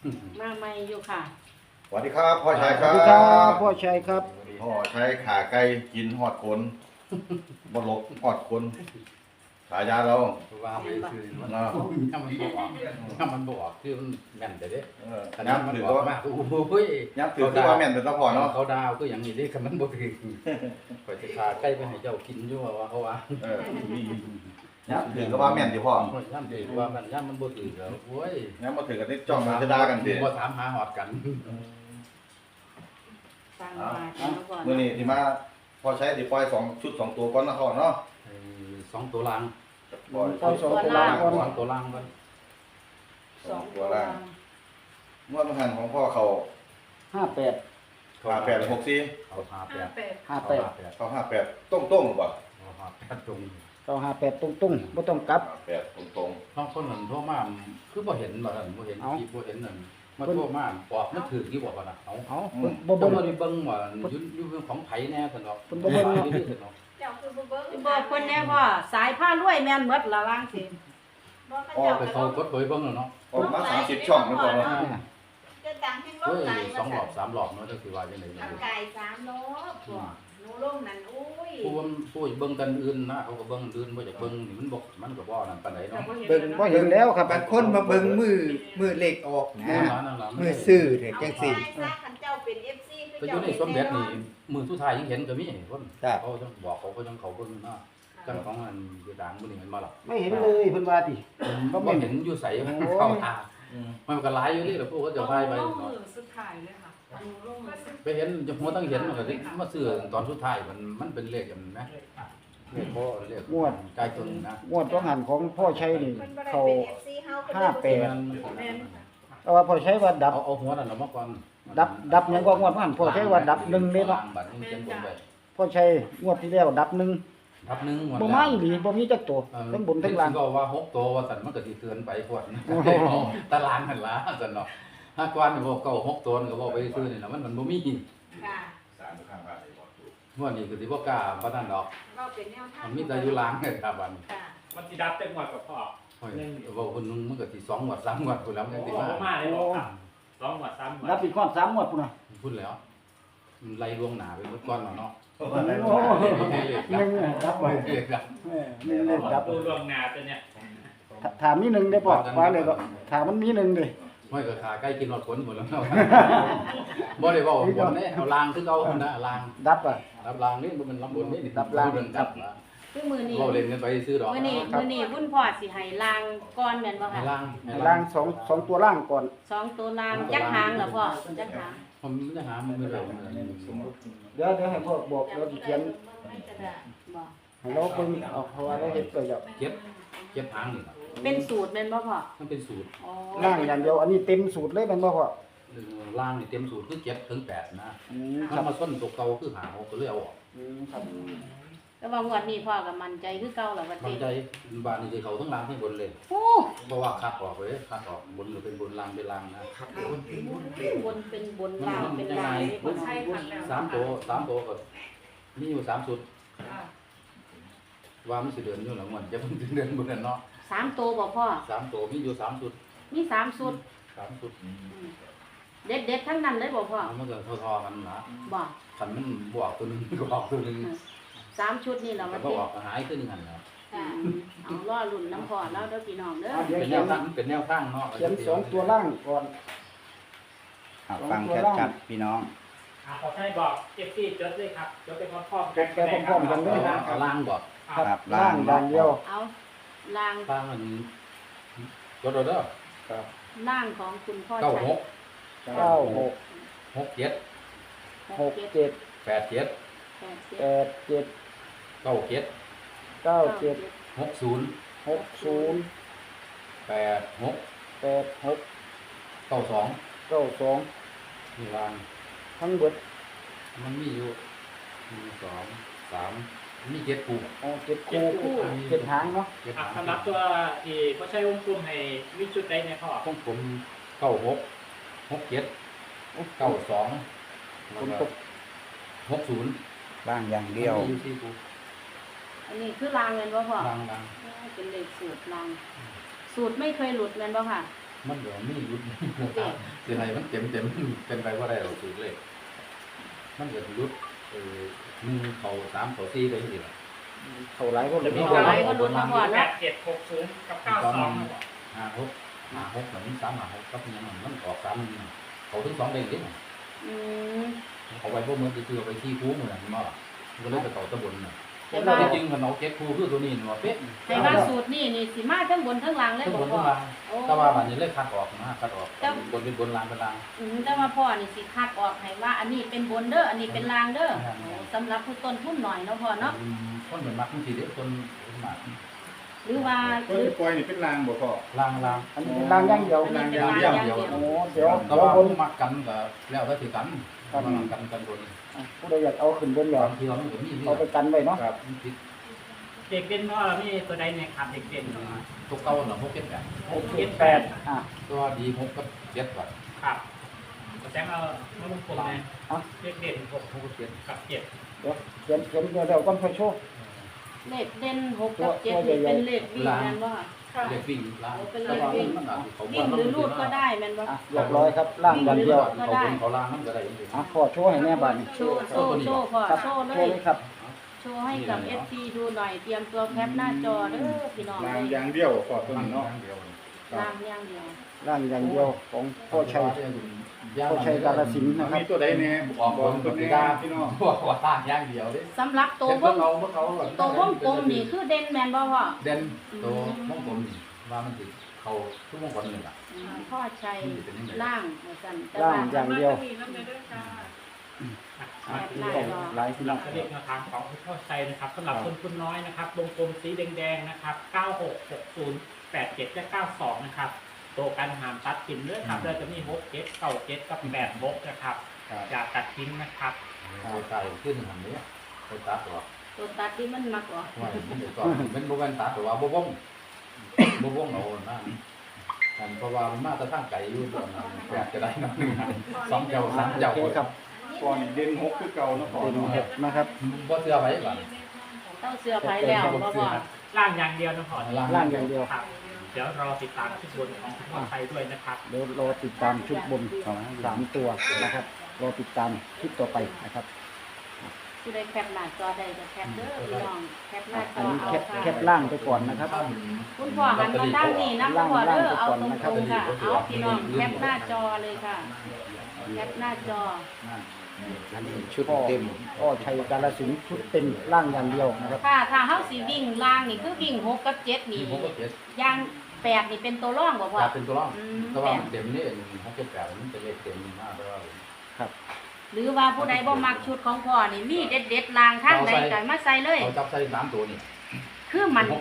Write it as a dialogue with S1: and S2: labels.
S1: มาใหม่อยู่ค่ะ
S2: สวัสดีครับพ่อชัยค
S3: ส
S2: รั
S3: วั
S2: บ
S3: สดีครับพ่อชัยครับ
S2: พ่อชัยขาไก่กินหอดคนบลกหอดคนฉายาเรา
S4: ว่าไปคือมันถ้ามันบอกถ้ามันบอกคือมันแม่นแต่เด้
S2: ย้ำถือ
S4: ว่า
S2: ว่า
S4: มากโอ้ย
S2: ย้ำถือว่าแม่นเป็นตะพอเนาะ
S4: เขาดาวก็อย่างนี้ดิคันมันบ่ถือข่อยสิพาใกล้ไปให้เจ้ากินอยู่ว่าเขาว่า
S2: ย้ำถือว่าแม่นดิพ่อ
S4: ย่ำถือว่ามันย่ำมันบ่ถือแล้วโอ้ย
S2: ย้ำมาถือกันที่จ้องมันจะด่ากันดิ
S4: บ่ถามหาหอดกัน
S1: ฟังมากันมาก่อน
S2: มื่อนี้ที่มาพ่อชัยที่ปล่อยชุด2ตัวก่อนนะพ่อเนาะ
S4: 2ตัวล่าง
S2: ปล่อย
S3: เอาสองตัวล่างก่อน
S4: 2ตัวล่างก่อน
S1: สองตัวล่าง
S2: เมื่อมันหันของพ่อเขา
S3: 58
S2: ขา864
S4: เอา58
S3: 58
S2: เขา58ต้งๆหรือเปล่า
S4: เอา58ตรง
S3: 958ตุ้งๆบ่ต้องกลับ
S2: 58ตรง
S4: ท้องคนนั้นโทรมาคือบ่เห็นบ่นั่นบ่เห็น
S3: เอ้า
S4: คลิปบ่เห็นนั่นมาโทรมาบอกมันถือกี่บอกว่าน่ะเอา
S3: เอาเพิ่นบ่
S4: บ่
S3: เบิ่ง
S4: ได้เบิ่งว่าอยู่ของไผแน่ซั่นดอก
S3: เพิ่นบ่เบิ่งเนาะ
S4: อยู่ซั่นดอก
S5: เจ้าคือบ่เบิ่ง
S1: บอกคนแน่พ่อสายผ้ารวยแม่นหมดละว่างสิ
S5: บ่เขา
S4: ไป
S5: เจ้า
S4: เขากดไปเบิ่งแล้วเนาะ
S2: ๆออกมา30ช่องนะพ่อเนาะ
S5: จะดังให้ล
S4: เฮ้
S5: ง
S4: ย
S5: ไหล
S4: สองรอบ3รอบเนาะจังสิว่าจังได๋
S5: ทางไก่3โลพ่อหนูลงนั่นอุ้ย
S4: ผู้เบิ่งกันอื่นนะเขาก็เบิ่งอื่นบ่อยากเบิ่งนี่มันบ่นั่นปานใดเนาะ
S3: เบิ่งบ่เห็นแล้วครับ
S6: บางคนมาเบิ่งมือเลขออกนะ
S4: นั่นล่ะ
S6: มือซื้อเถอะจังสิ
S5: ซะคันเจ้าเป็น FC คือ
S4: ก็อ
S5: เจ้า
S4: ยู่ในสมเด็จนี่มือสุดท้ายยังเห็นก็มีคน
S6: ครับ
S4: เขาต้องบอกเขาก็ต้องเขาเบิ่งนะจังของอันอยู่ดังมื้อนี้มันมาล่ะ
S3: ไม่เห็นเลยเพิ่นว่าติ
S4: บ่เห็นอยู่ไสเข้าตามันก็หลายอยู่นี่แหละพวกเขาจะพายไป
S7: ลงมือสุดท้ายเลยค่ะดูลงมือสุด
S4: ไปเห็นจะหัวต้องเห็นมันก็สิมาซื้อตอนสุดท้ายมันเป็นเลขกันไหมเลขพ่อเลขใจจนนะ
S3: งวดต้องหันของพ่อชัยนี่
S5: เพิ่นบ่ได้
S3: เขา
S5: เป็น FC เฮาเพิ่น
S3: 58
S7: แม่น
S3: แต่ว่าพ่อชัยว่าดับ
S4: เอาหัวนั่นเอามาก่อน
S3: ดับหยังก็งวดนั้นพ่อชัยว่าดับ1เลยเนาะ
S4: บัตรเขียนบนไป
S3: พ่อชัยงวดที่แล้วดับ1
S4: ทับหนึ่งหมด
S3: บ่มาอีหลีบ่มีจักตัวทั้งบนทั้งล่าง
S4: ก็ว่า6ตัวว่าสันมันก็สิเกินไปพวดตารางหันละสันเนาะถ้ากวนนี่บ่เก่า6ตัวก็บ่ไปซื้อนี่ล่ะมันบ่มี
S5: ค่ะ
S4: งวดนี้ก็สิบ่กล้าปานนั้นดอก
S5: เราเป็นแนวทาง
S4: มันมีแต่อยู่ล่างครับบัด
S5: ค่ะ
S8: มันสิดับเต็มหมดกับพ่อ
S4: โอ้ยว่าคนนึงมันก็สิ2งวด3งวดพุ่นแล้วมัน
S8: โอ้
S4: สิ
S8: โห
S4: มา
S8: มาเลยบอกครับสองหมดสามหมด
S3: ดับอีกก้อน3งวดพุ่นน่ะ
S4: พุ่นแล้วไล่ล่วงหน้าไปหมดก่อนแล้วเนาะ
S3: โอ้1ดับไว้
S4: เรียกกัน
S3: 1เลยดับ
S8: ดูดวงนาตัวเนี้ย
S3: ถามมี1ได้บ่ว่าเลยก็ถามมันมี1เด้
S4: ไม่ก็ขาใกล้กินหมดผลหมดแล้วบ่ได้บอกผลเนี่ยเอาลางคือเอานะลาง
S3: ดับอ่ะ
S4: รับลางนี่มันลำบนนี่
S3: รับลาง
S4: เดินจับ
S1: คือมือนี้
S4: เราเล่นกันไปซื้อดอก
S1: มือนี้วุ่นพ่อสิให้ลางก่อนแม่นบ่
S4: ให้
S1: ค่ะ
S4: ลาง
S3: ล่างสองตัวล่างก่อน
S1: สองตัวลางจักหางเหรอพ่อจักหาง
S4: ผมจะหามันไม่ได้
S3: เดี๋ยวให้พ่อบอกเราสิเขียน
S1: บอก
S3: ให้เราเบิ่งเอาเพราะว่าเราเฮ็ดไปแล้ว
S4: เก็บหางนี่
S1: เป็นสูตรแม่นบ่พ่อ
S4: มันเป็นสูตร
S1: อ๋อ
S3: ล่างอย่างเดียวอันนี้เต็มสูตรเลยแม่นบ่พ่อ
S4: ลางนี่เต็มสูตรคือ7ถึง8นะ
S3: ค
S4: ถ้า
S3: รับ
S4: มาส้นตัวเก่าคือหาก็เลยเอาออก
S3: ครับ
S1: แต่ว่างวดนี้พ่อก็มั่นใจคือเก่าแล้วว่า
S4: บา
S1: ติ
S4: งใจบ้านนี่สิเขาทั้งลางทั้งบนเลย
S1: โอ้
S4: เพราะว่าคัดออกเลยคัดออกบนหรือเป็นบนลางเป็นลางนะ
S1: บนเป็นบนลางเป็นลางนี่พ่อ
S7: ใช่ค่ะแล้ว
S4: 3ตัวก็มีอยู่3สุด
S7: ค่ะ
S4: ว่ามันสิเดือนอยู่แล้วมันจะมันสิเดือนบ่นั่นเนาะ
S1: สามตัวบ่พ่อ
S4: 3ตัวมีอยู่3สุด
S1: มีสามสูตร
S4: 3สุด
S1: เด็ดทั้งนั้นเลยบ่พ่อ
S4: มันก็ทอๆกันนะ
S1: บ่
S4: คันมันบวกตัวนึงก็ออกตัวนึง
S1: สามชุดนี่เรา
S4: แล้ว
S1: ว่า
S4: ก็
S1: ติ
S4: ออกหายขึ้นหันแล้ว
S5: ค่ะ
S1: เอาล่อลุ่นน้ำพ่อแล้วเด้อพี่น้องเด้อ
S3: เดี๋ยว
S4: เป็น
S3: เขี
S4: แน
S3: ยน
S4: วตั้งเป็นแนวตั้งเนาะ
S3: เขียนสองตัวล่างก่อน
S6: ฟังชัดๆพี่น้อง
S8: ขอให้บอกเอฟซีจดเลยครับจดไปพร้อมๆ
S3: แกะพร้อมๆกันเลย
S4: เอาล่างบอก
S6: ครับ
S3: ล่างอย่างเดียว
S1: เอาล่าง
S4: ตั้งมันรถเด้อ
S1: ล่างของคุณพ่อ
S4: 96
S1: ชัย
S3: 96
S4: 67
S3: 67
S4: 87
S3: 87
S4: 97
S3: 97
S4: 60
S3: 60
S4: 86
S3: 86
S4: 92
S3: 92
S4: นี่ล่าง
S3: ทั้งเบิด
S4: มันมีอยู่1 2 3มี7คู่
S3: เอา7คู่7หางเนาะ
S4: 7
S8: สำหรับตัวที่เขาใช้วงกลมให้มีจุดใดในพ่อ
S4: ของผม96 67 92
S3: ฝนตก
S4: 60
S6: ล่างอย่างเดียว
S4: มีอยู่4คู่
S1: อันนี้คือล่างเงินบ่พ่อ
S4: ล่าง
S1: เป็นเลขสูตรล่างสูตรไม่เคยหลุดเงินบ่ค่ะ
S4: บมันก็มีรุดสิให้มันเต็มเป็นไปบ่ได้หรอกสูตรเลขมันก็รุด1เข้า3เข้า4ไปจังซี่ล่ะ
S3: เท่าไรก็เลย
S8: มี
S3: มี
S8: ตัว
S3: อะไร
S8: ไหนก็ลุ้นมาก่อนนะ8760กับ92นะบอก
S4: 56แบบนี้356กับยังมันออก3นี่เขาถึง2เด้งดิ
S1: อืม
S4: เอาไว้บ่เหมือนสิซื้อไปที่คูมื้อนั้นมาก็เลยไปต่อตะบนน่ะ
S1: แต่ว่า
S4: จริงๆมันเอาเก็บคูคือตัวนี้ว่าเป๊ะ
S1: แต่ว่าสูตรนี่สิมาทั้งบนทั้งล่างเลย
S4: ทั้ง
S1: บ่
S4: บน
S1: พ่
S4: ทั้
S1: อง
S4: ล่าง
S1: โอ้
S4: แต่ว่าบัดนี้เลยคัดออกนะคัดออกบนเป็นบนล่างเป็นล่าง
S1: แต่ว่าพ่อนี่สิคัดออกให้ว่าอันนี้เป็นบนเด้ออันนี้เป็นล่างเด้อโอ้สำหรับผู้ต้นทุนหน่อยเนาะพ่อเนาะ
S4: คนเหมือนมักมันสิเด้คนมาก
S1: หรือว่า
S2: ตัวที่ปล่อยนี่เป็นรางบ่พ่อ
S4: ล่าง
S3: อันนี้เป็นรางอย่างเดียว
S1: อันนี้เป็นล่างอย่างเดียว
S3: โอ้เดี๋ยว
S4: แต่
S3: เดี๋ยว
S4: ว่า
S3: บน
S4: มักกันก็แล้วแต่สิกันกันบน
S3: ผู้ใดอยากเอาขึ้นบนเหรอบ
S4: างทีเรามันก็มีที่
S3: เอาไปกันไว้เนาะ
S2: ครับ
S4: ผิด
S8: เด็กเด่นพ่อมีตัวใดเนี่ยครับเด็กเด่น
S4: ตัวเก่าน่ะพวกเก็บกัน
S8: 678
S3: อ่ะ
S4: ตัวดี6กับ7บัด
S8: ครับแจ้งเอามาลงกลมเลย
S3: เอา
S8: เด็กเด่น6
S4: 6กับ7
S8: กับ7
S3: เดี๋ยวเขียนเดี๋ยวก่อนค่อยโชว์
S1: เลขเด่น6กับ7นี่เป็นเลขวิ่งแม่นบ่
S4: เด็กวิ่งล่าง
S1: เป็นเลขวิ่ง
S4: มันอาจสิเขา
S1: วิ่งหรือลูดก็ได้แม่นบ่
S3: อ่ะเรียบร้อยครับล่างอย่างเดียว
S4: เขาบนเขาล่างมันก็ได้จริง
S3: อ่ะขอโชว์ให้แน่บ้านนี่
S1: โชว์พ่อ
S3: ครับ
S1: โชว์เล
S3: โชว์
S1: ย
S3: เลยครับ
S1: โชว์ให้กับ FC ดูหน่อยเตรียมตัวแคปหน้าจอเด้อพี่น้อง
S2: ราง
S1: เลย
S2: อย่างเดียวพ่อตัวนี้เนาะ
S1: ล่างอย่างเดียว
S3: ล่างอย่างเดียวของพ่อชัยพ่อชัยกาฬสินธุ์นะครับ
S2: มีตัวใดแน่
S4: ออก
S2: บบ อก
S4: น
S2: ตั
S4: ตัว ว
S2: นี้
S4: นี้ได้
S2: พี่น้อง
S4: บอกว่าต่างอย่างเดียวเด้
S1: สำหรับตัว
S4: เห็น
S1: ว
S4: ว่าง เขา
S1: ตัววงกลมนี่คือเด่นแม่นบ่พ่อ
S4: เด่นตัววงกลมนี่ว่ามันสิเขาทุกวงกลมนี่ล่ะ
S1: พ่อชัยล่างเหมือนกันแต่
S3: ล่า
S1: ว่าง
S3: อย่างเดียว
S7: มีน้ำเด้อจ้า
S1: แคปหน้าจอ
S3: หลายพี่น้อง
S8: เลขแนวทางของคุณพ่อชัยนะครับสำหรับคนคุณน้อยนะครับวงกลมสีแดงๆนะครับ966087และ92นะครับตัวการหามตัดทิ้งด้วยครับเราจะมี67 97กับ86นะครับอย่าตัดทิ้งนะครับ
S4: ตัวตายขึ้นหันนี้ตัวตัดตัว
S1: ตัวตัดที่มันมักกว่า
S4: ว่ามันเดี๋ยวก่อนมันบ่แม่นตัดตัวว่าบ่วงเอานะเพราะว่ามันมาแต่ทางไกลอยู่ตอนนั้นอยากจะได้น้ำหนึ่งสองเจ้าสามเจ้า
S3: โอเคครับ
S2: ก่อนเด่น6คือเก่าเนาะพ่อ
S3: เป็น
S2: เนาะ
S3: เห็ดนะครับ
S4: บ่เชื่อไว้ก่อน
S1: ต้องเสื้อไผแล้วบ่พ่อ
S8: ล่างอย่างเดียวนะพ่อ
S3: ล่างอย่างเดียว
S8: ครับเดี๋ยวรอติดตามชุดบนของคุณพ่อชัยด้วยนะครับ
S3: เดี๋ยวรอติดตามชุดบนของ3ตัวนะครับรอติดตามคลิปต่อไปนะครับ
S1: ผู้ใดแคปหน้าจอได้ก็แคปเด้อพี่น้องแคปหน้าจ
S3: อัน
S1: อ
S3: นี้
S1: เอา
S3: แคป
S1: ค่ะ
S3: ล่างไปก่อนนะครับ
S1: คุณพ่อหันมาด้านนี้นะคุณพ่อเด้อเอาตรงๆค่ะเอาพี่น้องแคปหน้าจอเลยค่ะแคปหน้าจอ
S6: อันนี้ชุด
S3: พ่อ
S6: เต็ม
S3: พ่อชัยกาฬสินธุ์ชุดเต็มล่างอย่างเดียวนะครับ
S1: ถ้าเฮาสิวิ่งล่างนี่คือวิ่ง6กับ7นี่
S4: ผมก็เจ็ด
S1: ย่าง8นี่เป็นตัวร่องบ่พ่อ
S4: จะเป็นตัวร่องแต่ว่ามันเต็มนี่เขาเก็บแบบมันเป็นเลขเต็มมากแต่ว่า
S1: หรือว่าผู้ใดบ่มักชุดของพ่อนี่มีเด็ดๆล่างทางใดก็มาใส่เลย
S4: เขาจับใส่3ตัวนี่
S1: คือมั่น